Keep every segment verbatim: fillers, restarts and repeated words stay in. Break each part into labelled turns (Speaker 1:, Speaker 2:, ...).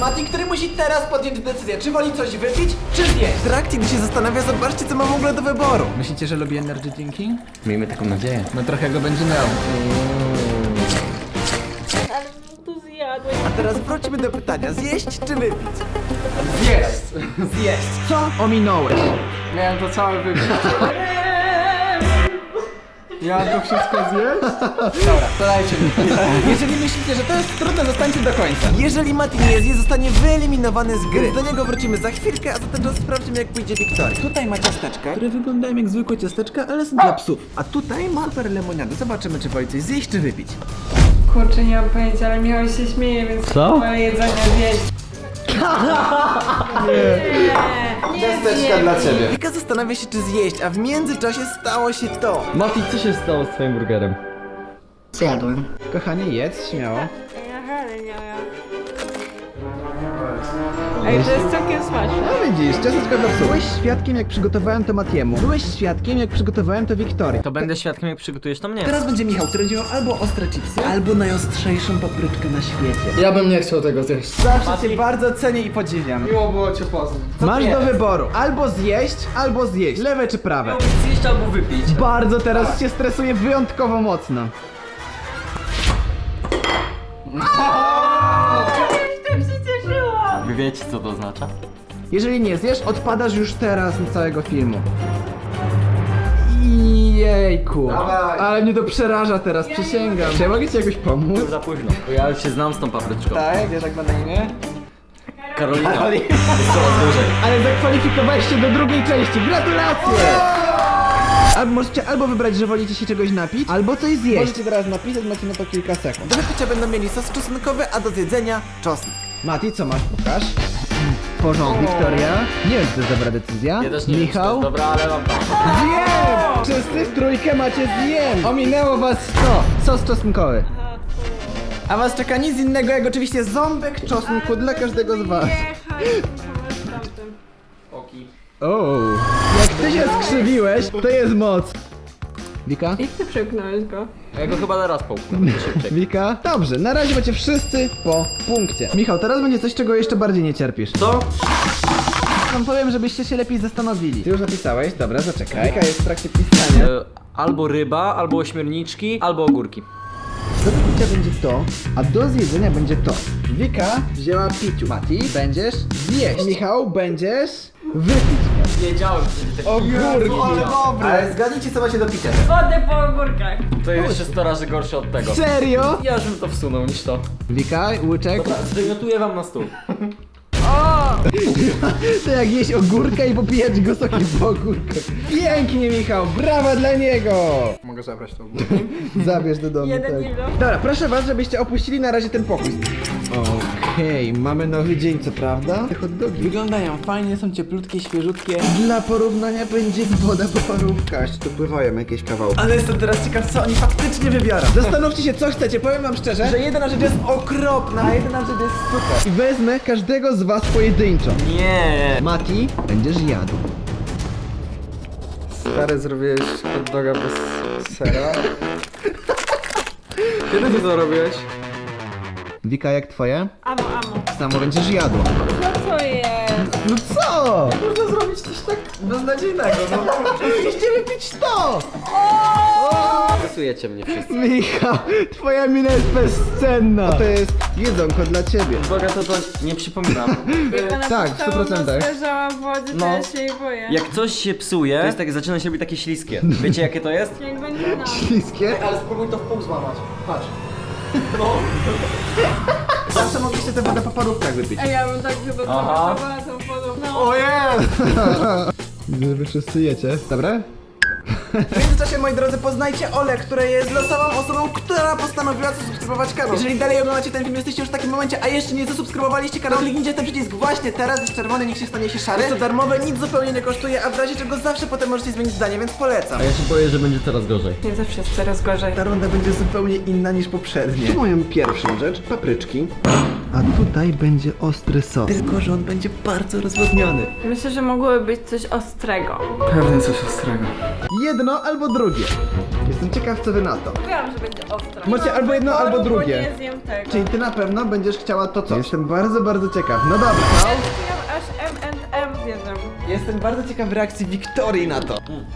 Speaker 1: Mati, który musi teraz podjąć decyzję, czy woli coś wypić, czy zjeść. W trakcie, gdy się zastanawia, zobaczcie, co ma w ogóle do wyboru. Myślicie, że lubi energy drinki?
Speaker 2: Miejmy taką nadzieję.
Speaker 1: No trochę go będzie miał.
Speaker 3: Ale tu zjadłeś.
Speaker 1: A teraz wróćmy do pytania, zjeść czy wypić?
Speaker 2: Zjeść!
Speaker 1: Zjeść. Co ominąłeś?
Speaker 2: Miałem to całe wypić. Ja to wszystko zjeść?
Speaker 1: Dobra, to dajcie mi. Jeżeli myślicie, że to jest trudne, zostańcie do końca. Jeżeli Mati nie zje, zostanie wyeliminowany z gry. Do niego wrócimy za chwilkę, a zatem sprawdźmy, jak pójdzie Wiktorii. Tutaj ma ciasteczka, które wyglądają jak zwykłe ciasteczka, ale są dla psów. A tutaj ma super lemoniadę. Zobaczymy, czy woli coś zjeść, czy wypić.
Speaker 3: Kurczę, nie mam pojęcia, ale Michał się śmieje, więc
Speaker 2: Co?
Speaker 3: moje jedzenie zjeść. Nie, nie
Speaker 2: Ciasteczka dla ciebie.
Speaker 1: Wika zastanawia się, czy zjeść, a w międzyczasie stało się to.
Speaker 2: Mati, co się stało z twoim burgerem?
Speaker 4: Zjadłem.
Speaker 1: Kochanie, jedz, śmiało.
Speaker 3: Aha, ale nie ja. Ej, to jest całkiem smaczne.
Speaker 1: No widzisz, ciasteczka dla psów. Byłeś świadkiem, jak przygotowałem to Matiemu. Byłeś świadkiem, jak przygotowałem to Wiktorii.
Speaker 5: To będę świadkiem, jak przygotujesz to mnie.
Speaker 1: Teraz będzie Michał, który będzie miał albo ostre chipsy, albo najostrzejszą papryczkę na świecie.
Speaker 2: Ja bym nie chciał tego zjeść.
Speaker 1: Zawsze cię bardzo cenię i podziwiam.
Speaker 2: Miło było cię poznać.
Speaker 1: Masz do wyboru, albo zjeść, albo zjeść. Lewe czy prawe?
Speaker 5: Zjeść albo wypić.
Speaker 1: Bardzo teraz cię stresuje wyjątkowo mocno.
Speaker 3: Tak się cieszyłam.
Speaker 5: Wy wiecie, co to oznacza?
Speaker 1: Jeżeli nie zjesz, odpadasz już teraz z całego filmu. Jejku.
Speaker 2: Dawaj.
Speaker 1: Ale mnie to przeraża teraz, przysięgam. Czy ja mogę ci jakoś pomóc?
Speaker 5: Za późno. Bo ja już się znam z tą papryczką.
Speaker 1: Tak, wiesz jak ma na imię?
Speaker 5: Karolina. Jest coraz gorzej.
Speaker 1: Ale zakwalifikowałeś się do drugiej części, gratulacje! Albo możecie albo wybrać, że wolicie się czegoś napić, albo coś zjeść. Możecie teraz napisać, macie na to kilka sekund. Do wypicia będą mieli sos czosnkowy, a do zjedzenia czosnek. Mati, co masz? Pokaż. Porządek, Wiktoria. Nie wiem, czy to jest dobra decyzja.
Speaker 5: Ja też nie wiem, czy to
Speaker 1: Michał?
Speaker 5: jest dobra, ale mam tak.
Speaker 1: Zjem! Wszyscy w trójkę macie zjem! Ominęło was sto. Sos czosnkowy. A was czeka nic innego jak oczywiście ząbek czosnku dla każdego z was.
Speaker 5: Oki.
Speaker 1: O, jak ty się skrzywiłeś, to jest moc. Wika?
Speaker 3: Jak ty przepchnąłeś go?
Speaker 5: Ja go chyba teraz połknę. Szybciej.
Speaker 1: Wika? Dobrze, na razie macie wszyscy po punkcie. Michał, teraz będzie coś, czego jeszcze bardziej nie cierpisz.
Speaker 5: Co?
Speaker 1: Wam powiem, żebyście się lepiej zastanowili. Ty już napisałeś? Dobra, zaczekaj. Wika jest w trakcie pisania.
Speaker 5: E, albo ryba, albo ośmiorniczki, albo ogórki.
Speaker 1: Do wypicia będzie to, a do zjedzenia będzie to. Wika wzięła piciu. Mati, będziesz zjeść. Michał, będziesz wypić.
Speaker 5: Wiedziałem, że będzie tak.
Speaker 1: Ogórki. Ale dobre. Ale zgadnijcie, co macie do picia.
Speaker 3: Wodę po ogórkach.
Speaker 5: To jest jeszcze sto razy gorsze od tego.
Speaker 1: Serio?
Speaker 5: Ja już bym to wsunął niż to.
Speaker 1: Wika, łyczek.
Speaker 5: Dobra, zwymiotuję wam na stół.
Speaker 1: To jak jeść ogórka i popijać go sokiem po ogórkach. Pięknie, Michał, brawa dla niego!
Speaker 2: Mogę zabrać to.
Speaker 1: Zabierz do domu,
Speaker 3: Jeden
Speaker 1: tak.
Speaker 3: kilo.
Speaker 1: Dobra, proszę was, żebyście opuścili na razie ten pokój. Okej, mamy nowy dzień, co prawda? Te hot dogi wyglądają fajnie, są cieplutkie, świeżutkie. Dla porównania będzie woda po parówkach.
Speaker 2: Tu pływają jakieś kawałki.
Speaker 1: Ale jestem teraz ciekaw, co oni faktycznie wybiorą. Zastanówcie się, co chcecie. Powiem wam szczerze, że jedna rzecz jest okropna, a jedna rzecz jest super. I wezmę każdego z was pojedynczo.
Speaker 5: Nie.
Speaker 1: Mati, będziesz jadł.
Speaker 2: Stary, zrobiłeś hot doga bez sera. Kiedy ty to robiłeś?
Speaker 1: Wika, jak twoje?
Speaker 3: Amo, amo.
Speaker 1: Samo będziesz jadł.
Speaker 3: Co to jest?
Speaker 1: No co?
Speaker 2: Można zrobić coś tak beznadziejnego, no.
Speaker 1: Chcieliście wypić to!
Speaker 5: Stresujecie mnie wszyscy.
Speaker 1: Michał, twoja mina jest bezcenna. To jest jedzonko dla ciebie.
Speaker 5: Boga to to nie przypominam.
Speaker 3: Ona
Speaker 1: tak, w stu procentach.
Speaker 3: leżała w wodzie, to
Speaker 5: No.
Speaker 3: ja się jej boję.
Speaker 5: Jak coś się psuje, to jest tak, zaczyna się robić takie śliskie. Wiecie jakie to jest?
Speaker 3: Jak będzie nam.
Speaker 1: Śliskie?
Speaker 2: Ale spróbuj to w pół złamać. Patrz.
Speaker 1: Zawsze mogliście tę wodę po parówkach wypić.
Speaker 3: Ej, ja bym tak chyba
Speaker 5: Aha.
Speaker 3: zobaczyła tą wodą. No.
Speaker 1: Widzę, że wy wszyscy jecie. Dobra? W międzyczasie, moi drodzy, poznajcie Olę, która jest losową osobą, która postanowiła zasubskrybować kanał. Jeżeli dalej oglądacie ten film, jesteście już w takim momencie, a jeszcze nie zasubskrybowaliście kanału, kliknijcie ten przycisk właśnie teraz, jest czerwony, niech się stanie się szary. Jest to darmowe, nic zupełnie nie kosztuje, a w razie czego zawsze potem możecie zmienić zdanie, więc polecam.
Speaker 5: A ja się boję, że będzie coraz gorzej.
Speaker 3: Nie zawsze jest coraz gorzej.
Speaker 1: Ta runda będzie zupełnie inna niż poprzednie. Moją pierwszą rzecz, papryczki. A tutaj będzie ostry sos. Tylko, że on będzie bardzo rozwodniony.
Speaker 3: Myślę, że mogłoby być coś ostrego.
Speaker 2: Pewnie coś ostrego.
Speaker 1: Jedno albo drugie. Jestem ciekaw, co wy na to.
Speaker 3: Mówiłam, że będzie ostra.
Speaker 1: Macie albo jedno,
Speaker 3: Wyboru,
Speaker 1: albo
Speaker 3: bo
Speaker 1: drugie.
Speaker 3: nie zjem tego.
Speaker 1: Czyli ty na pewno będziesz chciała to co? Jestem bardzo, bardzo ciekaw. No dobra.
Speaker 3: Ja zjem aż M and M zjedzę.
Speaker 1: Jestem bardzo ciekaw reakcji Wiktorii na to.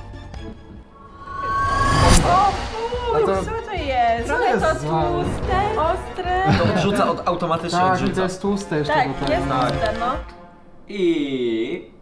Speaker 3: O fuj,
Speaker 2: to-
Speaker 3: co to jest? Trochę
Speaker 2: jest
Speaker 3: to
Speaker 2: za-
Speaker 3: tłuste, ostre.
Speaker 5: To odrzuca, od, automatycznie
Speaker 2: Tak, i
Speaker 5: odrzuca.
Speaker 2: to jest tłuste jeszcze
Speaker 3: Tak,
Speaker 2: do tego.
Speaker 3: jest tłuste, no.
Speaker 5: I...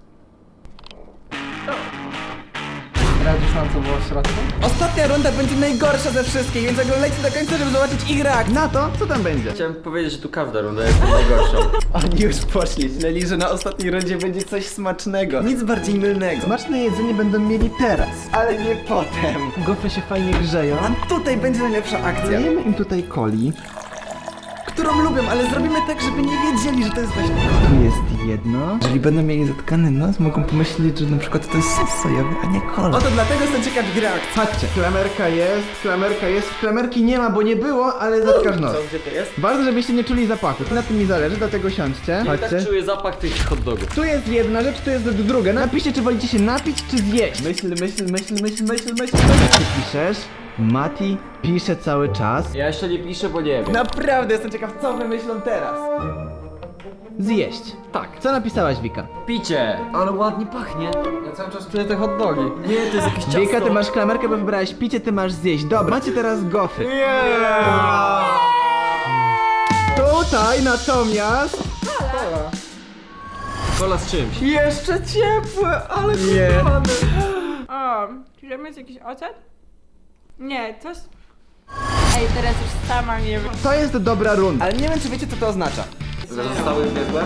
Speaker 2: Radzisz nam, co było w środku?
Speaker 1: Ostatnia runda będzie najgorsza ze wszystkich, więc oglądajcie do końca, żeby zobaczyć ich reakcję. Na to, co tam będzie?
Speaker 5: Chciałem powiedzieć, że tu każda runda jest najgorsza.
Speaker 1: Oni już poszli, źleli, że na ostatniej rundzie będzie coś smacznego. Nic bardziej mylnego. Smaczne jedzenie będą mieli teraz, ale nie potem. Gofry się fajnie grzeją. A tutaj będzie najlepsza akcja. Dajemy im tutaj coli, którą lubią, ale zrobimy tak, żeby nie wiedzieli, że to jest właśnie... Tu jest jedno. Jeżeli będą mieli zatkany nos, mogą pomyśleć, że na przykład to jest sos sojowy, a nie kola. Oto dlatego jestem ciekaw ich reakcji. Chodźcie. Klamerka jest, klamerka jest. Klamerki nie ma, bo nie było, ale zatkasz nos.
Speaker 5: Co, gdzie to jest?
Speaker 1: Bardzo, żebyście nie czuli zapachu. Na tym mi zależy, dlatego siądźcie.
Speaker 5: Ja
Speaker 1: Chodźcie.
Speaker 5: tak czuję zapach tych hot dogów.
Speaker 1: Tu jest jedna rzecz, tu jest druga. Napiszcie, czy wolicie się napić, czy zjeść. Myśl, myśl, myśl, myśl, myśl, myśl. Ty piszesz? Mati pisze cały czas.
Speaker 5: Ja jeszcze nie piszę, bo nie wiem.
Speaker 1: Naprawdę jestem ciekaw, co wymyślą teraz. Zjeść.
Speaker 5: Tak.
Speaker 1: Co napisałaś, Wika?
Speaker 5: Picie! Ale ładnie pachnie.
Speaker 2: Ja cały czas czuję te hot dogi.
Speaker 5: Nie, to jest jakieś ciasto.
Speaker 1: Wika, ty masz klamerkę, bo wybrałaś picie, ty masz zjeść. Dobra, macie teraz gofry. Tutaj natomiast...
Speaker 5: Kola z czymś.
Speaker 1: Jeszcze ciepłe, ale
Speaker 2: Nie.
Speaker 1: kochany.
Speaker 3: O, czy tam jest jakiś ocet? Nie, coś... Ej, teraz już sama nie wiem.
Speaker 1: To jest dobra runda. Ale nie wiem, czy wiecie, co to oznacza.
Speaker 5: Zostały biegłe?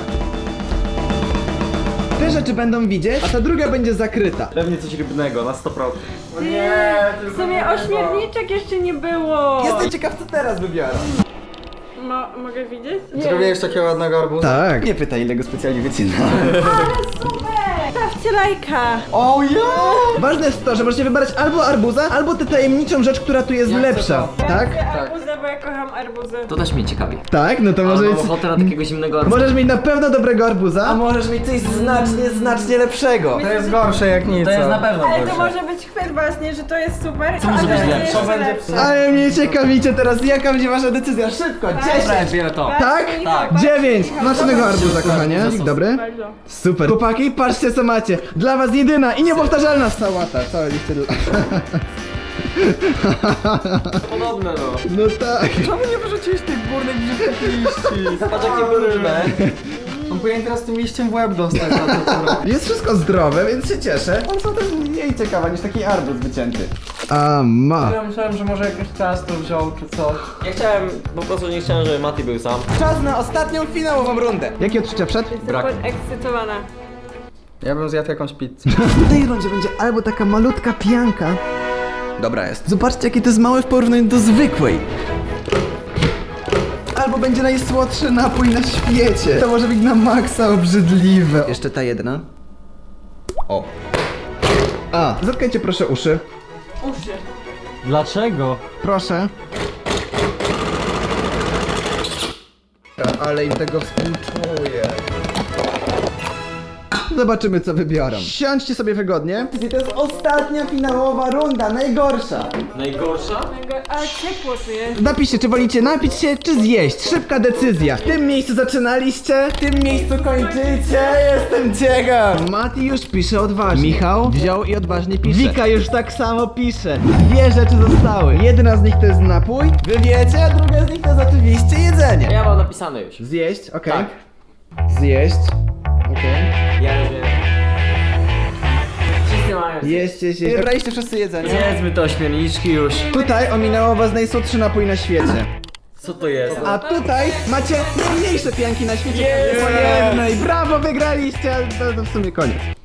Speaker 1: Te rzeczy będą widzieć, a ta druga będzie zakryta.
Speaker 5: Pewnie coś rybnego, na sto procent.
Speaker 3: Nie, w sumie ośmiorniczek jeszcze nie było.
Speaker 1: Jestem ciekaw, co teraz wybiorą.
Speaker 3: Mo mogę widzieć?
Speaker 2: Zrobiłeś takiego ładnego arbuza?
Speaker 1: Tak. Nie pytaj, ile go specjalnie wycinałem.
Speaker 3: Ale super! Stawcie lajka!
Speaker 1: O ja! Ważne jest to, że możecie wybrać albo arbuza, albo tę tajemniczą rzecz, która tu jest
Speaker 2: Ja chcę
Speaker 1: lepsza.
Speaker 2: to.
Speaker 1: Tak?
Speaker 3: Ja chcę arbuza, bo ja kocham arbuzy.
Speaker 5: To też mnie ciekawi.
Speaker 1: Tak? No to może
Speaker 5: Mam
Speaker 1: być...
Speaker 5: ochotę na takiego zimnego arbuza.
Speaker 1: Możesz mieć na pewno dobrego arbuza, a możesz mieć coś znacznie, znacznie lepszego.
Speaker 2: To jest gorsze jak nic.
Speaker 5: To jest na pewno
Speaker 3: Ale to
Speaker 5: gorsze.
Speaker 3: może być chwyt właśnie, że to jest super.
Speaker 5: Co może
Speaker 3: a
Speaker 5: być
Speaker 3: to
Speaker 5: lepsze?
Speaker 3: jest
Speaker 2: Co będzie
Speaker 3: lepsze.
Speaker 1: Ale mnie ciekawicie teraz, jaka będzie wasza decyzja? Szybko, dziesięć!
Speaker 5: Wiele to.
Speaker 1: Tak?
Speaker 5: Tak.
Speaker 1: dziewięć! Smacznego arbuza, kochanie. Dobry?
Speaker 3: Bardzo.
Speaker 1: Super. Chłopaki, patrzcie co macie. Dla was jedyna i niepowtarzalna sałata. Całe listy dla...
Speaker 5: Podobne no.
Speaker 1: No tak.
Speaker 2: Czemu nie wyrzuciłeś tych górnych brzydkich liści?
Speaker 5: Patrz jakie brudne.
Speaker 2: On powinien teraz tym liściem w łeb dostać za to, co robi.
Speaker 1: Jest wszystko zdrowe, więc się cieszę. One są też mniej ciekawe niż taki arbuz wycięty. A ma.
Speaker 2: Ja myślałem, że może jakieś ciasto wziął czy coś.
Speaker 5: Ja chciałem, po prostu nie chciałem, żeby Mati był sam.
Speaker 1: Czas na ostatnią finałową rundę. Jakie odczucia przed?
Speaker 3: Jestem
Speaker 5: Brak.
Speaker 3: podekscytowana.
Speaker 2: Ja bym zjadł jakąś pizzę.
Speaker 1: W tej rundzie będzie albo taka malutka pianka. Dobra jest. Zobaczcie, jakie to jest małe w porównaniu do zwykłej. Albo będzie najsłodszy napój na świecie. To może być na maksa obrzydliwe. Jeszcze ta jedna. O. A, zatkajcie proszę uszy.
Speaker 3: Uszy.
Speaker 5: Dlaczego?
Speaker 1: Proszę. Ale im tego współczuję. Zobaczymy, co wybiorą. Siądźcie sobie wygodnie. To jest ostatnia finałowa runda, najgorsza.
Speaker 5: Najgorsza?
Speaker 3: Ale ciepło tu jest.
Speaker 1: Napiszcie, czy wolicie napić się, czy zjeść. Szybka decyzja. W tym miejscu zaczynaliście, w tym miejscu kończycie. Jestem ciekaw. Mati już pisze odważnie. Michał wziął i odważnie pisze. Wika już tak samo pisze. Dwie rzeczy zostały. Jedna z nich to jest napój, wy wiecie, a druga z nich to jest oczywiście jedzenie.
Speaker 5: Ja mam napisane już.
Speaker 1: Zjeść, okej.
Speaker 5: Tak.
Speaker 1: Zjeść, okej.
Speaker 5: Ja już wiem. Wszyscy mają.
Speaker 1: Jeźdźcie, jeźdźcie. Wybraliście wszyscy jedzenie.
Speaker 5: Zjedzmy to śmielniczki już.
Speaker 1: Tutaj ominęło was najsłodszy napój na świecie.
Speaker 5: Co to jest?
Speaker 1: A tutaj macie najmniejsze pianki na świecie.
Speaker 5: Jest!
Speaker 1: Po jednej. Brawo, wygraliście, ale to, to w sumie koniec.